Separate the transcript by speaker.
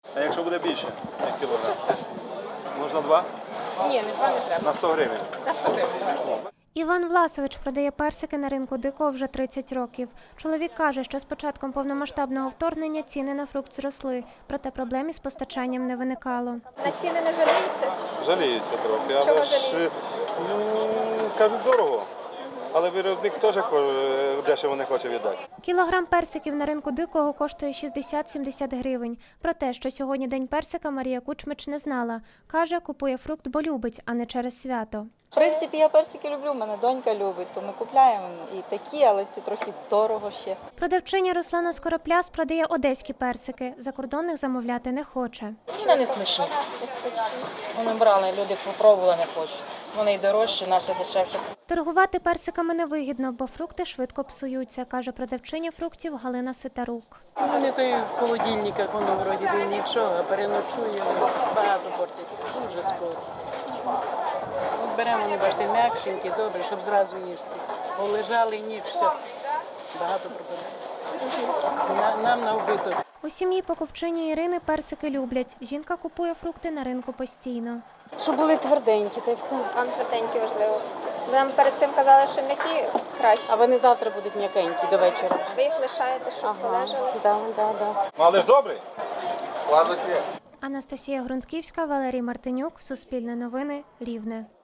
Speaker 1: А якщо буде більше, як кілограм? Можна 2?
Speaker 2: Ні, не 2 не треба.
Speaker 1: На 100 гривень.
Speaker 2: На 100 гривень.
Speaker 3: Іван Власович продає персики на ринку Дикого вже 30 років. Чоловік каже, що з початком повномасштабного вторгнення ціни на фрукт зросли, проте проблем із постачанням не виникало.
Speaker 2: На ціни не жаліються?
Speaker 1: Жаліються трохи,
Speaker 2: Чого
Speaker 1: але ж,
Speaker 2: жаліються?
Speaker 1: кажуть, дорого. Але виробник теж дешево не хоче віддати.
Speaker 3: Кілограм персиків на ринку Дикого коштує 60-70 гривень. Про те, що сьогодні День персика, Марія Кучмич не знала. Каже, купує фрукт, бо любить, а не через свято.
Speaker 4: В принципі, я персики люблю, мене донька любить, то ми купляємо і такі, але це трохи дорого ще.
Speaker 3: Продавчиня Руслана Скоропляс продає одеські персики. Закордонних замовляти не хоче.
Speaker 5: Вони не смачні. Вони брали, люди попробували, не хочуть. Вони й дорожчі, наші дешевші.
Speaker 3: Торгувати персиками невигідно, бо фрукти швидко псуються, каже продавчиня фруктів Галина Ситарук.
Speaker 6: Вони то й в холодильниках, воно вроді би нічого, а переночує, воно багато портиться, дуже скоро. От беремо, вони, бачите, м'якшенькі, добре, щоб зразу їсти. Полежали ніч, все, багато пропадає. Нам на вбиток.
Speaker 3: У сім'ї покупчині Ірини персики люблять. Жінка купує фрукти на ринку постійно.
Speaker 7: Щоб були тверденькі, та й все.
Speaker 2: Вам тверденькі важливо. Ви нам перед цим казали, що м'які краще.
Speaker 7: А вони завтра будуть м'якенькі до вечора.
Speaker 2: Ви їх лишаєте, щоб полежали?
Speaker 7: Да.
Speaker 1: Ну, але ж добрий.
Speaker 3: Анастасія Грунтківська, Валерій Мартинюк, Суспільне новини, Рівне.